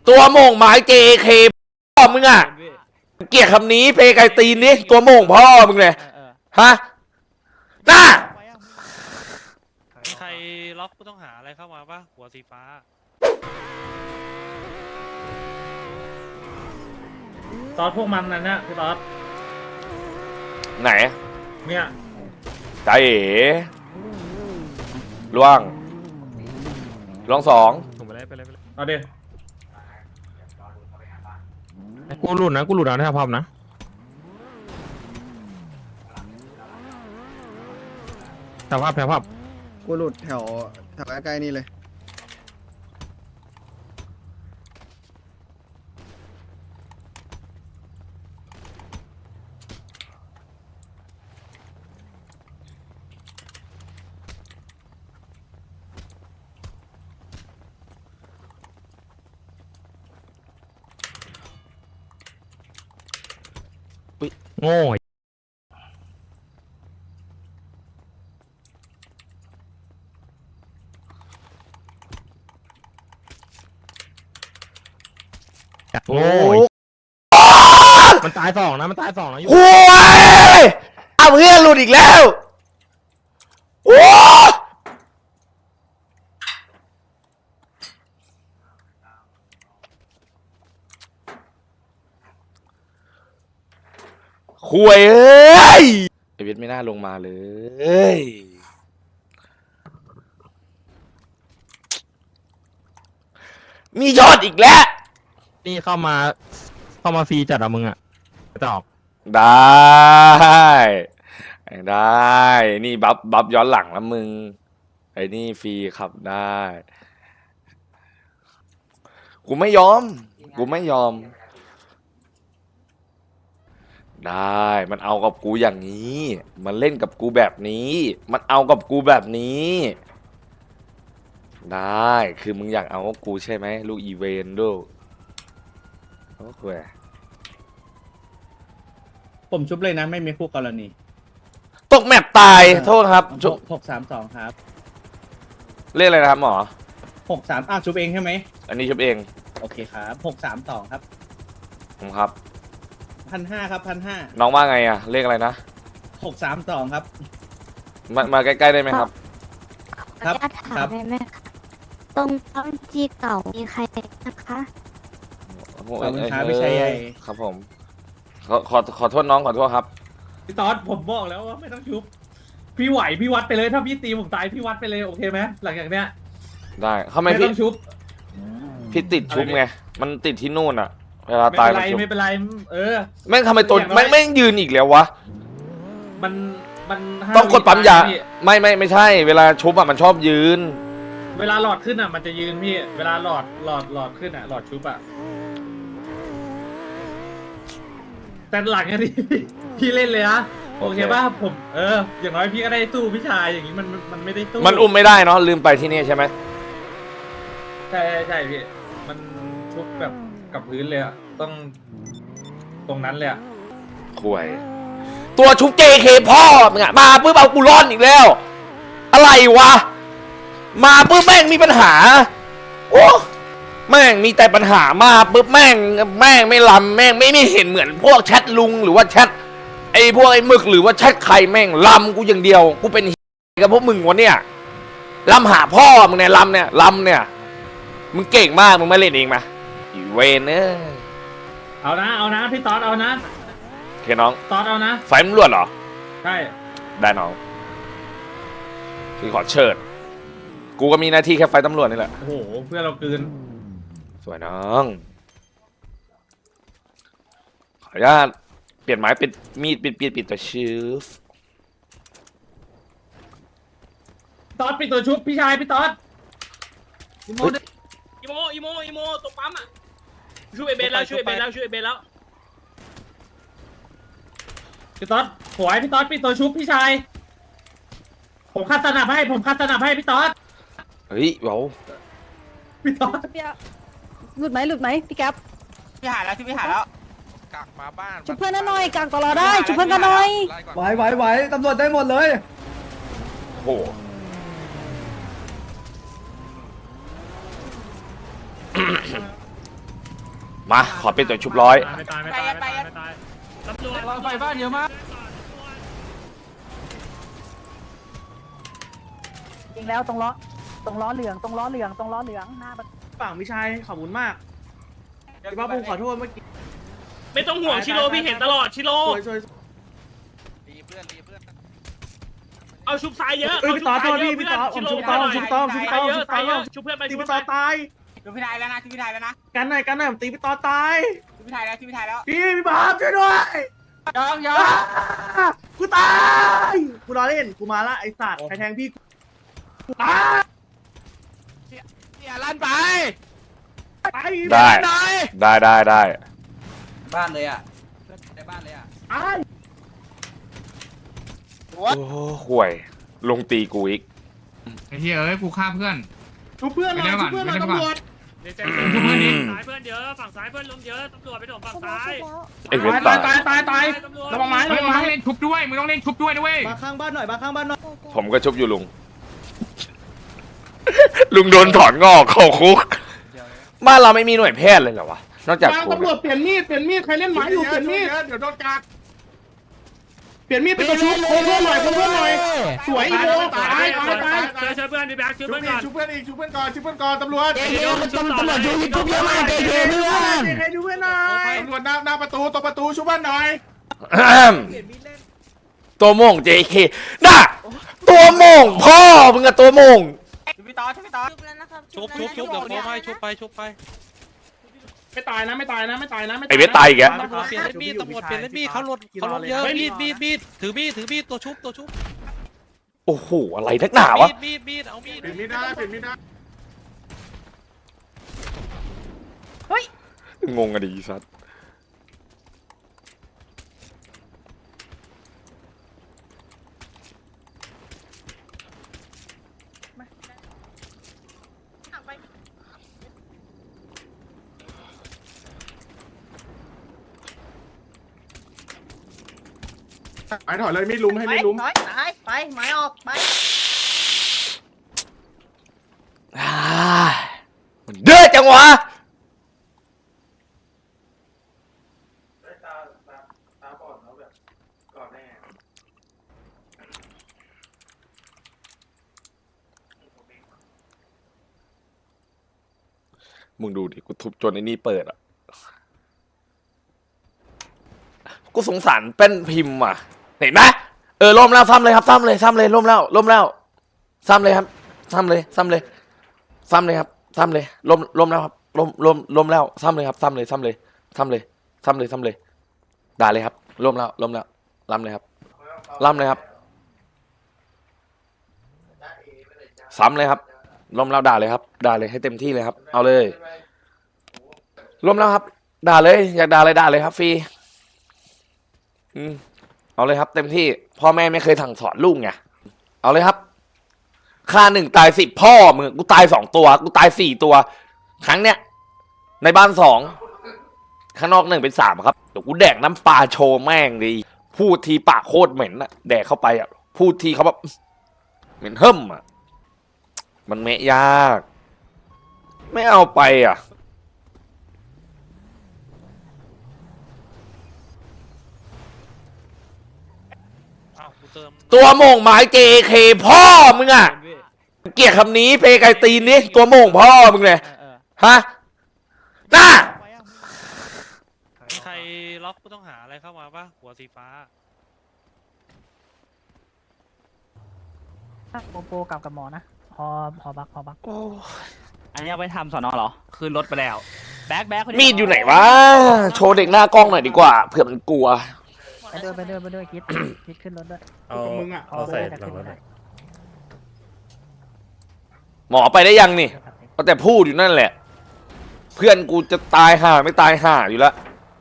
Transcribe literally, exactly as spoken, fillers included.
ตัวโม่งไม้เจเคพ่อมึงอ่ะเกลียดคำนี้เพไกตีนนี่ตัวโม่งพ่อมึงเลยฮะน่ามีใครล็อกผู้ต้องหาอะไรเข้ามาปะหัวสีฟ้าซอสพวกมันนั่นนะพี่ซอสไหนเนี่ยใจเอ๋ล่วงล่วงสองไปเลยไปเลยไปเลยเอาดิกูหลุดนะกูหลุดนะถ้าพร้อมนะแถวภาพแถวภาพกูหลุดแถวแถวใกล้ๆนี่เลยโง่โง่มันตายสองนะมันตายสองนะอยู่โอ้ยเอาเพื่อนหลุดอีกแล้วโอ้คุยเอ้ยไอเวทไม่น่าลงมาเลยมียอดอีกแล้วนี่เข้ามาเข้ามาฟรีจัดอะมึงอะตอบได้ได้นี่บัฟบัฟย้อนหลังแล้วมึงไอ้นี่ฟรีขับได้กูไม่ยอมกูไม่ยอมได้มันเอากับกูอย่างนี้มันเล่นกับกูแบบนี้มันเอากับกูแบบนี้ได้คือมึงอยากเอากับกูใช่ไหมลูกอีเวนดูโอเคผมชุบเลยนะไม่มีคู่กรณีตกแมปตายโทษครับหกสามสองครับเรียกอะไรนะครับหมอหกสามอ้าวชุบเองใช่ไหมอันนี้ชุบเองโอเคครับหกสามสองครับผมครับพันห้าครับพันห้าน้องว่าไงอะเรียกอะไรนะหกสามสองครับมามาใกล้ๆได้ไหมครับครับถามได้ไหมคะตรงต้นจีเก่ามีใครนะคะขอบคุณครับพี่ชัยใหญ่ครับผมขอขอขอโทษน้องขอโทษครับพี่ตอดผมบอกแล้วว่าไม่ต้องชุบพี่ไหวพี่วัดไปเลยถ้าพี่ตีผมตายพี่วัดไปเลยโอเคไหมหลังจากเนี้ยได้ทำไมพี่ไม่ต้องชุบพี่ติดชุบไงมันติดที่นู่นอะเวลาตายไม่เป็นไรไม่เป็นไรเออแม่งทำไมตัวแม่งแม่งยืนอีกแล้ววะมันมันต้องกดปั๊มยาไม่ไม่ไม่ใช่เวลาชุบอะมันชอบยืนเวลาหลอดขึ้นอ่ะมันจะยืนพี่เวลาหลอดหลอดหลอดขึ้นอ่ะหลอดชุบอ่ะแต่หลังนี้พี่เล่นเลยนะโอเคป่ะผมเอออย่างน้อยพี่ก็ได้สู้พี่ชายอย่างนี้มันมันไม่ได้สู้มันอุ้มไม่ได้เนาะลืมไปที่นี่ใช่ไหมใช่ใช่พี่มันชุบแบบกับพื้นเลยอ่ะต้องตรงนั้นเลยอ่ะข่วยตัวชุบ เจ เค พ่อมึงอะมาปุ๊บเอากูร้อนอีกแล้วอะไรวะมาปุ๊บแม่งมีปัญหาโอ้แม่งมีแต่ปัญหามาปุ๊บแม่งแม่งไม่ลำแม่งไม่ไม่เห็นเหมือนพวกแชทลุงหรือว่าแชทไอ้พวกไอ้หมึกหรือว่าแชทใครแม่งลำกูอย่างเดียวกูเป็นกับพวกมึงวะเนี่ยลำหาพ่อมึงเนี่ยลำเนี่ยลำเนี่ยมึงเก่งมากมึงไม่เล่นเองมาอีเวนเนอร์เอานะเอานะพี่ตอดเอานะโอเคน้องตอดเอานะไฟมันรวดเหรอใช่ได้น้องพี่ขอเชิญกูก็มีหน้าที่แค่ไฟตำรวจนี่แหละโอ้โหเพื่อเราคืนสวยน้องขออนุญาตเปลี่ยนไม้เป็นมีดปิดปิดปิดตัวชืฟตอดปิดตัวชุบพี่ชายพี่ตอดอีโมอีโมอีโมอีโมตกปั๊มอ่ะช่วยเบนแล้วช่วยเบนแล้วช่วยเบนแล้วพี่ตอดหวยพี่ตอดปิดตัวชุบพี่ชายผมคัดสนับให้ผมคัดสนับให้พี่ตอดเฮ้ยเบาพี่ตอดหลุดไหมหลุดไหมพี่แก๊ปพี่หายแล้วพี่หายแล้วกักมาบ้านชุบเพื่อนหน่อยกักต่อเราได้ชุบเพื่อนกันหน่อยไหวไหวไหวตำรวจได้หมดเลยโอ้มาขอเป็นตัวชุบร้อยไม่ตายไม่ตายไม่ตายไม่ตายตำรวจเราไฟบ้านเยอะมากจริงแล้วตรงล้อตรงล้อเหลืองตรงล้อเหลืองตรงล้อเหลืองหน้าประตูฝั่งพี่ชายขอบคุณมากพี่ป้าผมขอโทษเมื่อกี้ไม่ต้องห่วงชิโร่พี่เห็นตลอดชิโร่สวยสวยเอาชุบซ้ายเยอะเอ้ยพี่ต่อโทษพี่พี่ต่อผมชุบต่อผมชุบต่อผมชุบต่อผมชุบต่อชุบเพื่อนไปตีชุบพี่เพื่ต่ออน ตายชุบพี่ไทยแล้วนะชุบพี่ไทยแล้วนะกันหน่อยกันหน่อยผมตีพี่ต่อตายชุบพี่ไทยแล้วชุบพี่ไทยแล้วพี่พี่บาสช่วยด้วยยองยองอ่ากูตายกูรอเล่นกูมาละไอ้สัตว์ใครแทงพี่กูตายอย่าลั่นไปไปได้ได้ได้ได้บ้านเลยอ่ะในบ้านเลยอ่ะตายโอ้ห่วยลงตีกูอีกไอ้เหี้ยเอ้ยกูฆ่าเพื่อนชุบเพื่อนหน่อยชุบเพื่อนหน่อยตำรวจเดี๋ยวชุบเพื่อนดิซ้ายเพื่อนเยอะฝั่งซ้ายเพื่อนลงเยอะตำรวจไปโดนฝั่งซ้ายไอ้เวทตาตาย ยตายตายตายระวังไม้เฮ้ระยวังมึงไม้ต้องเล่นชุบด้วยมึงต้องเล่นชุบด้วยนะเว้ยมาข้างบ้านหน่อยมาข้างบ้านหน่อยผมก็ชุบอยู่ลุง ลุงโดนถอนงอกเข้าคุกบ้านเราไม่มีหน่วยแพทย์เลยเหรอวะนอกจากวางกูตำรวจเปลี่ยนมีดเปลี่ยนมีดใครเล่นไม้อยู่เปลี่ยนมีดเดี๋ยวโดนกัดเปลี่ยนมีดเป็นตัวชุบโค้งเพื่อนหน่อยโค้งเพื่อนหน่อยสวยอีโมตายตายตายช่วยช่วยเพื่อนดิแบ็คช่วยชุบเพื่อนอีก่กอนชุบเพื่อนอีกชุบเพื่อนก่อนชุบเพื่อนก่อนตำรวจเดี๋ยวตำรวจช่วยชุบเยอะมากเพื่อนใครดูเพื่อนหน่อยตำรวจหน้าหน้าประตูตรงประตูชุบเพื่อนหน่อยตัวโม่ง เจ เค น่ะตัวโม่งพ่อมึงอะตัวโม่งชุบพี่ต่อชุบพี่ต่อชุบชุบชุบเดี๋ยวโค้งให้ชุบไปชุบไปไม่ตายนะไม่ตายนะไม่ตายนะไอ้เวทตายอีกแกตำรวจเปลี่ยนเล่นมีดตำรวจเปลี่ยนเล่นมีดเขาลดเขาลดเยอะมีดมีดมีดถือมีดถือมีดตัวชุบตัวชุบโอ้โหอะไรนักหนาวะมีดมีดมีดเอามีดเปลี่ยนไม่ได้เปลี่ยนไม่ได้งงอะดิสัสไปถอยเลยไม่ลุ้มให้ไม่ลุ้มถอยตายไปไม้ออกไปอ่ามันเดือดจังวะมึงดูดิกูทุบจนไอ้นี่เปิดอ่ะกูสงสารเป็นพิมพ์อ่ะเห็นไหมเออล่มแล้วซ้ำเลยครับซ้ำเลยซ้ำเลยล่มแล้วล่มแล้วซ้ำเลยครับซ้ำเลยซ้ำเลยซ้ำเลยครับซ้ำเลยล่มล่มแล้วครับล่มล่มล่มแล้วซ้ำเลยครับซ้ำเลยซ้ำเลยซ้ำเลยซ้ำเลยซ้ำเลยด่าเลยครับล่มแล้วล่มแล้วล้ำเลยครับล้ำเลยครับซ้ำเลยครับล่มแล้วด่าเลยครับด่าเลยให้เต็มที่เลยครับเอาเลยล่มแล้วครับด่าเลยอยากด่าอะไรด่าเลยครับฟรีอืมเอาเลยครับเต็มที่พ่อแม่ไม่เคยสั่งสอนลูกไงเอาเลยครับฆ่าหนึ่งตายสิบพ่อมึงกูตายสองตัวกูตายสี่ตัว ครั้งเนี้ยในบ้านสองข้างนอกหนึ่งเป็นสามครับเดี๋ยวกูแดกน้ำปลาโชว์แม่งดีพูดทีปากโคตรเหม็นอะแดกเข้าไปอะพูดทีเขาแบบเหม็นเฮิ่มอะมันเมะยากไม่เอาไปอะอ้าวกูเติมตัวโม่งหมาย เจ เค พ่อมึงอะเกลียดคำนี้เพไกตีนนี่ตัวโม่งพ่อมึงเลยฮะน่ามีใครล็อกผู้ต้องหาอะไรเข้ามาปะหัวสีฟ้าโปโปกับกับหมอนะฮอฮอบักฮอบักอันนี้เอาไปทำสอนอเหรอ คืนรถไปแล้ว แบ็คแบ็คมีดอยู่ไหนวะโชว์เด็กหน้ากล้องหน่อยดีกว่าเผื่อมันกลัวไปด้วยไปด้วยไปด้วยคิดคิดขึ้นรถด้วยเอามึงอ่ะเอาใส่หลังรถได้หมอไปได้ยังนี่ก็แต่พูดอยู่นั่นแหละ เพื่อนกูจะตายห่าไม่ตายห่าอยู่แล้ว